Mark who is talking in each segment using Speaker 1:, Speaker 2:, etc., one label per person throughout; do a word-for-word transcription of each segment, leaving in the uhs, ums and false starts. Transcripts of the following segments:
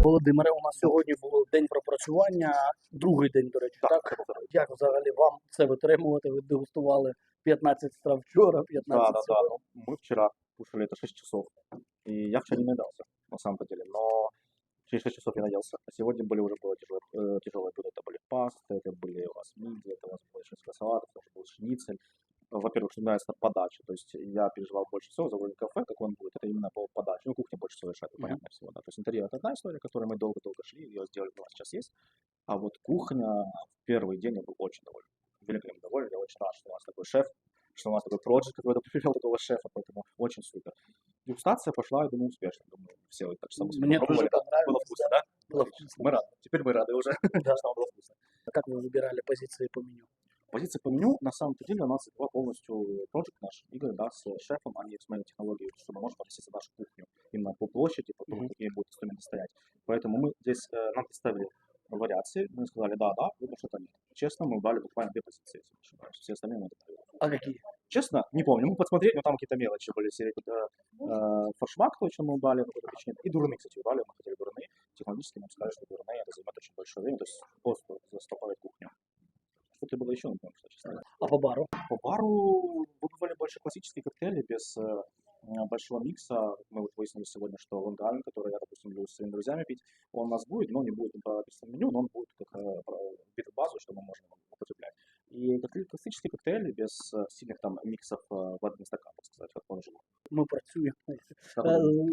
Speaker 1: Володимире, у нас сьогодні був день пропрацювання, другий день, до речі, так?
Speaker 2: Так,
Speaker 1: Як взагалі вам це витримувати? Ви дегустували п'ятнадцять страв вчора,
Speaker 2: да,
Speaker 1: п'ятнадцять
Speaker 2: да, да.
Speaker 1: сьогодні.
Speaker 2: Ну, мы вчера кушали это шесть часов, и я вчера не наедался, на самом-то деле, но через шесть часов я наелся. А сегодня были уже было тяжелые, э, тяжелые блюда. Это были пасты, это были у нас мидии, это у нас было шинское салат, это уже был шницель. Во-первых, что нравится подача, то есть я переживал больше всего за уровень кафе, как он будет, это именно по подаче. Ну, кухня больше всего решает,
Speaker 1: Мгм.
Speaker 2: понятно всего, да. То есть интерьер это одна история, которой мы долго-долго шли, ее сделали, у нас сейчас есть. А вот кухня, в первый день я был очень доволен, великолепно доволен, я очень рад, что у нас такой шеф, что у нас такой проект, который привел такого шефа, поэтому очень супер. Дегустация пошла, я думаю, успешно, думаю, все вот так же само себе
Speaker 1: Мне
Speaker 2: попробовали.
Speaker 1: тоже понравилось,
Speaker 2: Было вкусно, да?
Speaker 1: Было
Speaker 2: Отлично.
Speaker 1: вкусно.
Speaker 2: Мы рады, теперь мы рады уже,
Speaker 1: Да.
Speaker 2: что было вкусно.
Speaker 1: Как вы выбирали позиции по меню?
Speaker 2: Позиция по меню, на самом-то деле, у нас два полностью проект наш, Игорь, да, с шефом, они смотрели технологии, что мы можем относиться нашу кухню именно по площади, по тому,
Speaker 1: Мгм.
Speaker 2: какие будут инструменты стоять. Поэтому мы здесь, э, нам представили вариации, мы сказали, да, да, либо что-то нет. Честно, мы убрали буквально две позиции, если не ошибаюсь. Все остальные мы добавили.
Speaker 1: А какие?
Speaker 2: Честно, не помню, мы посмотреть, но там какие-то мелочи были, серии, э, э, форшмак точно мы убрали, ну, какой-то причине. И дурны, кстати, убрали, мы хотели дурны. Технологически нам сказали, что дурны это займет очень большое время, то есть просто застопорить кухню. Что-то было еще, не помню, что, честно говоря.
Speaker 1: А по бару?
Speaker 2: По бару выбрали больше классические коктейли без э, э, большого микса. Мы вот выяснили сегодня, что Лонг-Айленд, который я, допустим, люблю с своими друзьями пить, он у нас будет, но не будет по описанному меню, но он будет как э, про- битый базу, что мы можем употреблять. И коктейли- классические коктейли без э, сильных там миксов э, в один стакан, так сказать, как он живет.
Speaker 1: Ми працюємо е,
Speaker 2: Как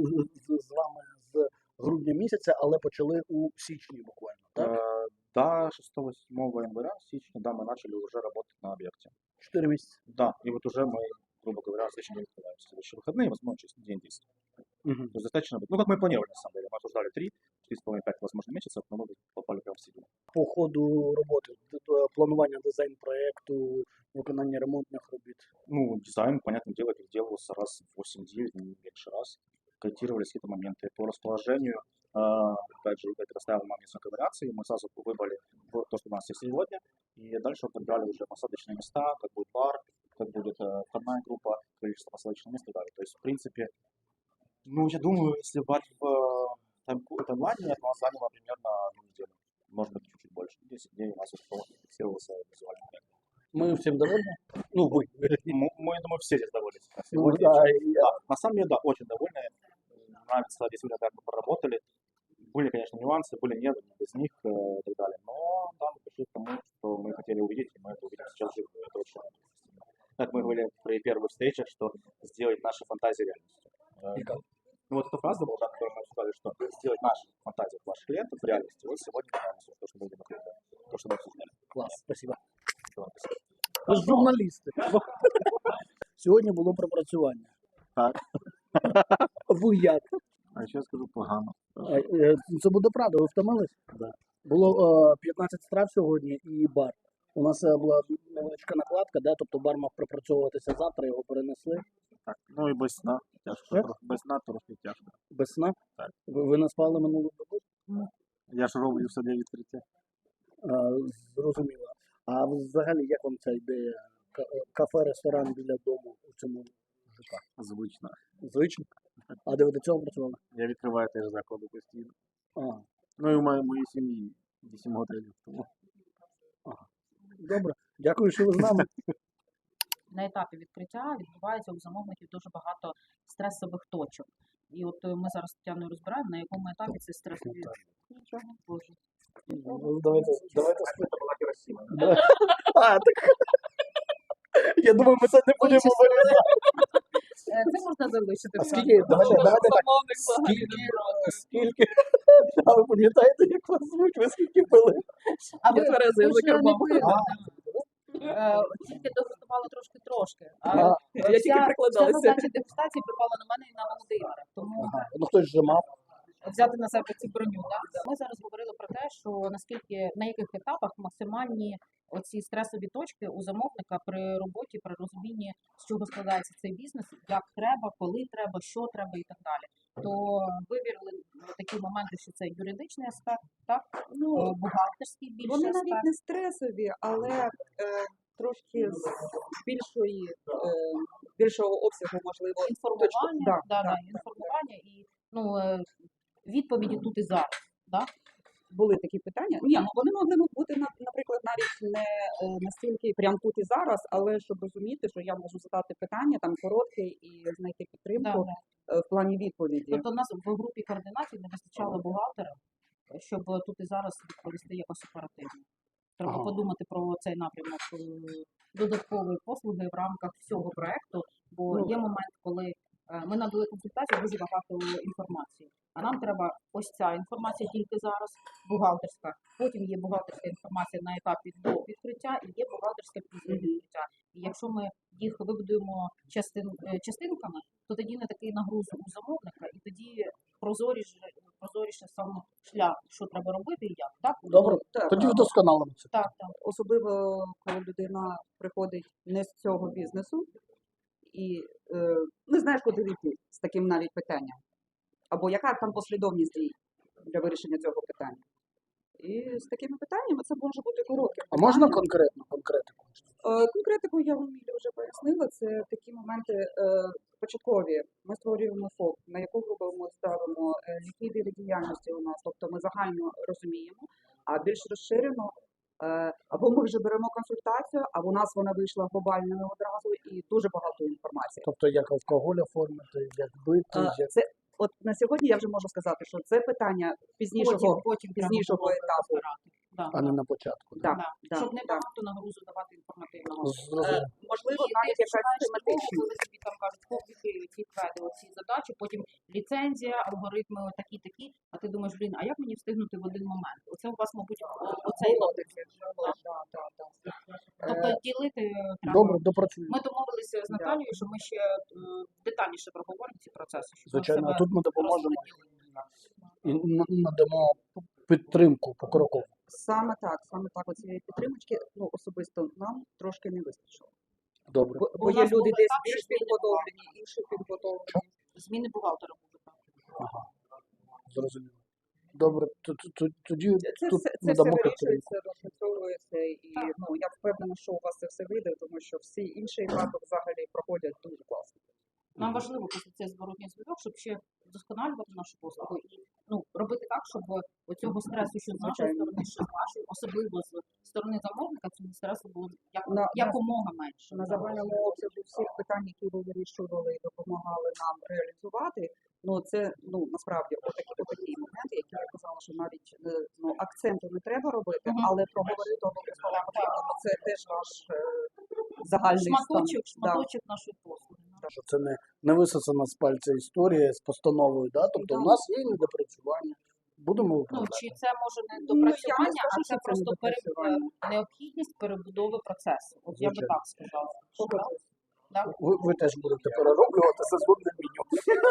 Speaker 1: з з вами з грудня місяця, але почали у січні буквально, так?
Speaker 2: Э, До шестого-седьмого января, січня, да, мы начали уже работать на объекте.
Speaker 1: Чотири місяці.
Speaker 2: Да, и вот уже мы, грубо говоря, в следующий день открываемся. Следующие выходные, возможно, через день десять.
Speaker 1: Мгм.
Speaker 2: То есть достаточно, ну, как мы и планировали, на самом деле. Мы обсуждали три, четыре с половиной, пять, возможно, месяцев, но мы попали прямо в середину.
Speaker 1: По ходу роботи, д- д- планування дизайн-проекту, виконання ремонтних робіт.
Speaker 2: Ну, дизайн, понятное дело, переделывался раз в восемь-девять, не меньше раз. Корректировались какие-то моменты по расположению. А, опять же, Игорь предоставил нам несколько вариаций, мы сразу выбрали вот то, что у нас есть сегодня, и дальше подбирали уже посадочные места, как будет бар, как будет э, входная группа, количество посадочных мест и так далее. То есть, в принципе, ну, я думаю, если брать в э, тайм- таймлайне, это у нас заняло примерно одну неделю, может быть, чуть-чуть больше, десять дней у нас уже полностью фиксировался визуальный проект.
Speaker 1: Ми всім довольні? Ну, ви.
Speaker 2: Мы, мы, я думаю, все здесь довольны.
Speaker 1: Ну,
Speaker 2: Сегодня,
Speaker 1: да,
Speaker 2: чем-
Speaker 1: и я-
Speaker 2: да, на самом деле, да, очень довольны. Нравится действительно, как мы проработали. Были, конечно, нюансы, были нет, без них э, и так далее. Но да, мы пришли к тому, что мы хотели увидеть, и мы это увидим сейчас живо. Это очень радует. Как мы говорили при первых встречах, что сделать наши фантазии реальностью. Э,
Speaker 1: И как?
Speaker 2: Ну вот эта фраза была, да, которую мы сказали, что сделать наши фантазии ваших клиентов реальностью. Вот сегодня реальностью, то, что мы видим вокруг, то, что мы обсуждали.
Speaker 1: Клас, спасибо.
Speaker 2: Да, спасибо.
Speaker 1: Ви ж журналісти. Сьогодні було пропрацювання.
Speaker 2: Так.
Speaker 1: Ви як?
Speaker 2: А ще скажу погано.
Speaker 1: А, е, Це буде правда, ви втомились?
Speaker 2: Да.
Speaker 1: Було е, п'ятнадцять страв сьогодні і бар. У нас е, була невеличка накладка, да? Тобто бар мав пропрацьовуватися завтра, його перенесли.
Speaker 3: Так, ну і без сна. Тяжко.
Speaker 1: Що?
Speaker 3: трохи. Без сна трошки тяжко.
Speaker 1: Без сна.
Speaker 3: Так.
Speaker 1: Ви, ви не спали минулу добу?
Speaker 3: Я ж роблю все для відкриття.
Speaker 1: А, зрозуміло. А взагалі, як вам ця ідея? Ка- е, Кафе, ресторан біля дому у цьому ЖК?
Speaker 3: Звично.
Speaker 1: Звично? А де ви до цього працювали?
Speaker 3: Я відкриваю теж заклади постійно.
Speaker 1: А,
Speaker 3: Ну і в моїй, моїй сім'ї вісім готелів. Тому
Speaker 1: добре. Дякую, що ви з нами.
Speaker 4: На етапі відкриття відбувається у замовників дуже багато стресових точок. І от е, ми зараз з Тетяною розбираємо, на якому етапі це стресові. Нічого, Боже.
Speaker 1: Ну, давайте, давайте спитаємо. Да. А, так. Я думаю, ми це не будемо вирізати.
Speaker 4: Е, Це можна залишити.
Speaker 1: А скільки, давайте, давайте так, скільки, скільки, а ви пам'ятаєте, як вас звуть, ви скільки пили?
Speaker 4: А ви
Speaker 5: Тверезий
Speaker 4: ви
Speaker 5: за
Speaker 4: ж не
Speaker 5: кермом.
Speaker 4: пили, да. Е, Тільки дегустували трошки-трошки. А
Speaker 1: А,
Speaker 5: Я тільки
Speaker 4: вся, вся
Speaker 5: прикладалася.
Speaker 4: задача дегустації припала на мене і на Володимира. Тому
Speaker 1: Ага. Ну хтось же мав.
Speaker 4: взяти на себе цю броню. Да? Ми зараз говорили про те, що наскільки на яких етапах максимальні оці стресові точки у замовника при роботі, при розумінні, з чого складається цей бізнес, як треба, коли треба, що треба і так далі. То вивірили такі моменти, що це юридичний аспект, так,
Speaker 5: Ну,
Speaker 4: е, бухгалтерський більше
Speaker 5: вони
Speaker 4: аспект.
Speaker 5: навіть не стресові, але е, трошки з більшої, е, більшого обсягу, можливо,
Speaker 4: Інформування,
Speaker 5: Да,
Speaker 4: да,
Speaker 5: да,
Speaker 4: да, інформування і ну, е, відповіді тут і зараз. Да?
Speaker 5: Були такі питання. Ні, ну вони могли б бути, на- наприклад, навіть не е, настільки прямо тут і зараз, але щоб розуміти, що я можу задати питання там коротке і знайти
Speaker 4: Да,
Speaker 5: підтримку
Speaker 4: да.
Speaker 5: е, в плані відповіді.
Speaker 4: Тобто у нас в групі координації не вистачало бухгалтера, щоб тут і зараз відповісти якось оперативно. Треба
Speaker 1: Ага.
Speaker 4: подумати про цей напрямок е, додаткової послуги в рамках всього проекту, бо
Speaker 5: Ну,
Speaker 4: є момент, коли е, ми надали консультацію дуже багато інформації. А нам треба ось ця інформація тільки зараз, бухгалтерська. Потім є бухгалтерська інформація на етапі до відкриття і є бухгалтерська після
Speaker 5: Мгм.
Speaker 4: відкриття. І якщо ми їх вибудуємо частин, е, частинками, то тоді не такий нагруз у замовника, і тоді прозоріше, прозоріше сам шлях, що треба робити і як. Так?
Speaker 1: Добре,
Speaker 5: так,
Speaker 1: тоді
Speaker 5: а,
Speaker 1: вдосконалимо це.
Speaker 4: Так, так.
Speaker 5: особливо коли людина приходить не з цього бізнесу і е, не знаєш, куди йти з таким навіть питанням. Або яка там послідовність дій для вирішення цього питання. І з такими питаннями це може бути коротке.
Speaker 1: А можна
Speaker 5: питання.
Speaker 1: конкретно, конкретику?
Speaker 5: Е, Конкретику я вам Ілля, вже пояснила. Це такі моменти е, початкові. Ми створюємо ФОП, на яку групу ми ставимо, е, які види діяльності у нас. Тобто ми загально розуміємо, а більш розширено. е, Або ми вже беремо консультацію, або у нас вона вийшла глобальною одразу і дуже багато інформації.
Speaker 1: Тобто як алкоголь оформити, як бити,
Speaker 5: Е,
Speaker 1: як...
Speaker 5: Це от на сьогодні я вже можу сказати, що це питання пізнішого,
Speaker 4: Потім, потім треба
Speaker 5: пізнішого
Speaker 4: було
Speaker 5: етапу.
Speaker 4: розбирати. Да,
Speaker 1: а не
Speaker 4: да,
Speaker 1: на початку.
Speaker 5: Да,
Speaker 4: да.
Speaker 5: да,
Speaker 4: Щоб не
Speaker 5: да.
Speaker 4: багато нагрузу давати інформативного.
Speaker 1: Зрозуміло.
Speaker 5: Е, Можливо,
Speaker 4: І
Speaker 5: навіть
Speaker 4: ти
Speaker 5: якась
Speaker 4: починаєш з того,
Speaker 5: тематична.
Speaker 4: коли тобі там кажуть, публіки ці кведи, оці задачі, потім ліцензія, алгоритми такі-такі, а ти думаєш, блін, а як мені встигнути в один момент? Оце у вас, мабуть, о- оцей
Speaker 5: Було
Speaker 4: напрямок.
Speaker 5: таке, було, да, да, да.
Speaker 4: Тобто
Speaker 5: Е,
Speaker 4: ділити треба.
Speaker 1: Добре, допрацюємо.
Speaker 4: Ми домовилися з Наталією, що ми ще е, детальніше проговоримо ці процеси. Щоб ми
Speaker 1: Звичайно, а
Speaker 4: себе
Speaker 1: тут ми допоможемо
Speaker 4: розподілили.
Speaker 1: і н- надамо підтримку покрокову.
Speaker 5: Саме так, саме так. Оцієї підтримочки, ну особисто нам трошки не вистачило.
Speaker 1: Добре.
Speaker 5: Бо, бо
Speaker 4: У
Speaker 5: є
Speaker 4: нас
Speaker 5: люди
Speaker 4: були
Speaker 5: десь
Speaker 4: так,
Speaker 5: більш
Speaker 4: що зміни
Speaker 5: підготовлені, інші підготовлені.
Speaker 4: Зміни бухгалтера будуть.
Speaker 1: Ага. Зрозуміло. Добре, т- т- т- тоді
Speaker 5: Це,
Speaker 1: тут
Speaker 5: все, це все
Speaker 1: надамо підтримку.
Speaker 5: вирішується, розпрацьовується, і ну я впевнена, що у вас це все вийде, тому що всі інші етапи взагалі проходять дуже класно.
Speaker 4: Нам важливо просто цей зворотній зв'язок, щоб ще вдосконалювати нашу послугу і ну робити так, щоб оцього стресу, що з нашої
Speaker 5: Звичайно.
Speaker 4: сторони, що з вашої, особливо з сторони замовника, цього стресу було як,
Speaker 5: На-
Speaker 4: якомога менше.
Speaker 5: На загальному обсязі всіх питань, які ви вирішували і допомагали нам реалізувати, ну це ну насправді отакі отакі моменти, які я казала, що навіть е, ну акценту не треба робити,
Speaker 4: Мгм.
Speaker 5: але проговорити обов'язково потрібно, бо це теж наш е, загальний
Speaker 4: Шматочок,
Speaker 5: стан. Да.
Speaker 4: шматочок нашої послуги. да.
Speaker 1: Що це не, не висосана з пальця історія з постановою, да? Тобто
Speaker 5: Да.
Speaker 1: у нас є недопрацювання. Будемо
Speaker 4: Ну
Speaker 1: виправляти.
Speaker 4: чи це може не
Speaker 5: Ну, я не
Speaker 4: допрацювання,
Speaker 5: скажу,
Speaker 4: а
Speaker 5: що
Speaker 4: це
Speaker 5: це
Speaker 4: просто пере-
Speaker 5: недопрацювання.
Speaker 4: необхідність перебудови процесу. От я би
Speaker 1: Звичайно.
Speaker 4: так сказала.
Speaker 5: Погоджуюсь.
Speaker 4: Да?
Speaker 1: Ви, ви теж будете перероблювати сезонне меню.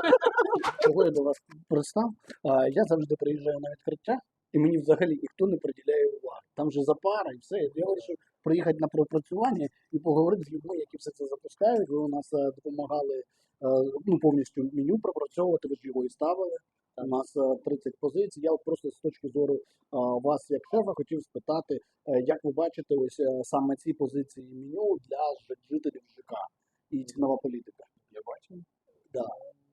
Speaker 1: Чого я до вас пристав? А, я завжди приїжджаю на відкриття, і мені взагалі ніхто не приділяє уваги. Там же запара і все. Я вирішив приїхати на пропрацювання і поговорити з людьми, які все це запускають. Ви у нас е, допомагали е, ну, повністю меню пропрацьовувати, ви ж його і ставили. У нас е, тридцять позицій. Я от просто з точки зору е, вас, як шефа, хотів спитати, е, як ви бачите ось е, саме ці позиції меню для ж- жителів ЖК і цінова політика.
Speaker 3: Я бачу.
Speaker 1: Да.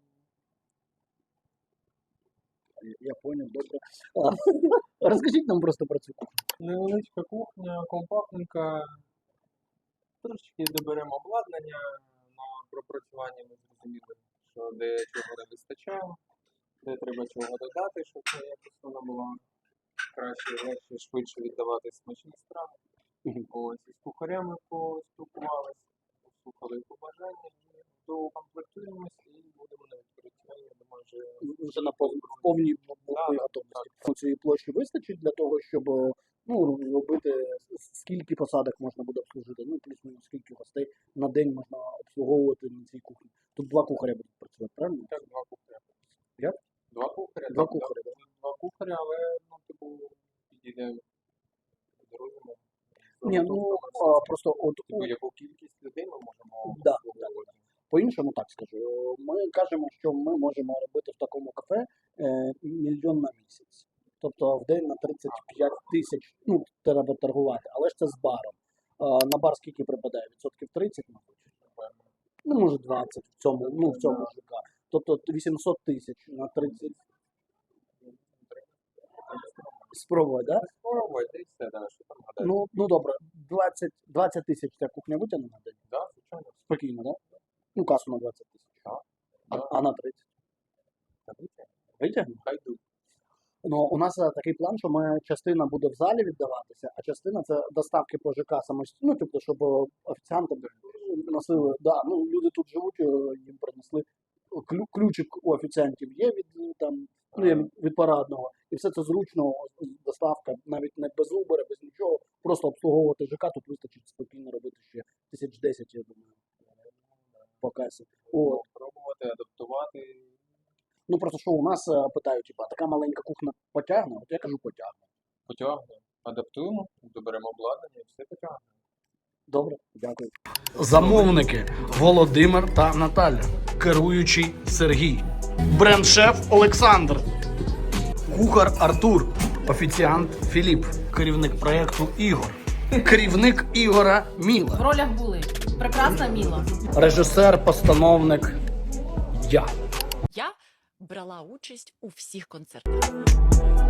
Speaker 1: Я- Я понял, добре. А, Розкажіть нам просто про цю кухню.
Speaker 3: Невеличка кухня, компактненька. Трошечки доберемо обладнання на пропрацювання. Ми зрозуміли, що де чого не вистачало, де треба чого додати, щоб якось вона була краще, легше, швидше віддавати смачні страви.
Speaker 1: Мгм.
Speaker 3: Ось із кухарями поспілкувалися, послухали побажання, і доукомплектуємось і будемо на відкриття. Я думаю, вже
Speaker 1: Вже на пов- в повній бу- бойовій
Speaker 3: Да,
Speaker 1: готовності. Ну, цієї площі вистачить для того, щоб е, ну, робити с- скільки посадок можна буде обслужити, ну плюс-мінус скільки гостей на день можна обслуговувати на цій кухні. Тут два кухаря будуть працювати, правильно?
Speaker 3: так, два кухаря.
Speaker 1: Як?
Speaker 3: Два кухаря.
Speaker 1: Два
Speaker 3: так,
Speaker 1: кухаря,
Speaker 3: так. Два кухаря, але ну, типу, підійде до розуму.
Speaker 1: Ні, ну а, просто от у-
Speaker 3: Типу, яку кількість людей ми можемо
Speaker 1: Да,
Speaker 3: обслуговувати.
Speaker 1: по-іншому так скажу. Ми кажемо, що ми можемо робити в такому кафе е, мільйон на місяць. Тобто в день на тридцять п'ять тисяч, ну, треба торгувати, але ж це з баром. А, на бар скільки припадає? Відсотків тридцять, мабуть? Ну, може двадцять в цьому, ну, в цьому ЖК. Тобто вісімсот тисяч на тридцять. Спробувати, да?
Speaker 3: Спробуйте і все, да, що там гадати.
Speaker 1: Ну, ну добре, двадцять, двадцять тисяч ця кухня витягне на день?
Speaker 3: Да, звичайно.
Speaker 1: Спокійно, да? Ну, касу на двадцять тисяч.
Speaker 3: Так.
Speaker 1: А,
Speaker 3: Да.
Speaker 1: а на тридцять?
Speaker 3: Гадайте.
Speaker 1: Витягне?
Speaker 3: Хай йдуть.
Speaker 1: Ну, у нас е, такий план, що ми частина буде в залі віддаватися, а частина це доставки по ЖК самостійно, ну, тобто, щоб е, офіціанти носили, да, ну, люди тут живуть, е, їм принесли Клю- ключик у офіціантів є від е, там, ну, є від парадного, і все це зручно, доставка, навіть не без Uber, без нічого, просто обслуговувати ЖК, тут вистачить спокійно робити ще тисяч десять, я думаю, по касі. От.
Speaker 3: Пробувати, адаптувати.
Speaker 1: Ну просто що у нас е, питають, типа, така маленька кухня потягне, от я кажу потягне.
Speaker 3: Потягнемо. Адаптуємо, доберемо обладнання і все потягнемо.
Speaker 1: Добре, дякую.
Speaker 6: Замовники Володимир та Наталя, керуючий Сергій, бренд-шеф Олександр, кухар Артур, офіціант Філіп, керівник проєкту Ігор, керівник Ігора Міла,
Speaker 4: В ролях були прекрасна Міла.
Speaker 1: Режисер, постановник я.
Speaker 7: Я брала участь у всіх концертах.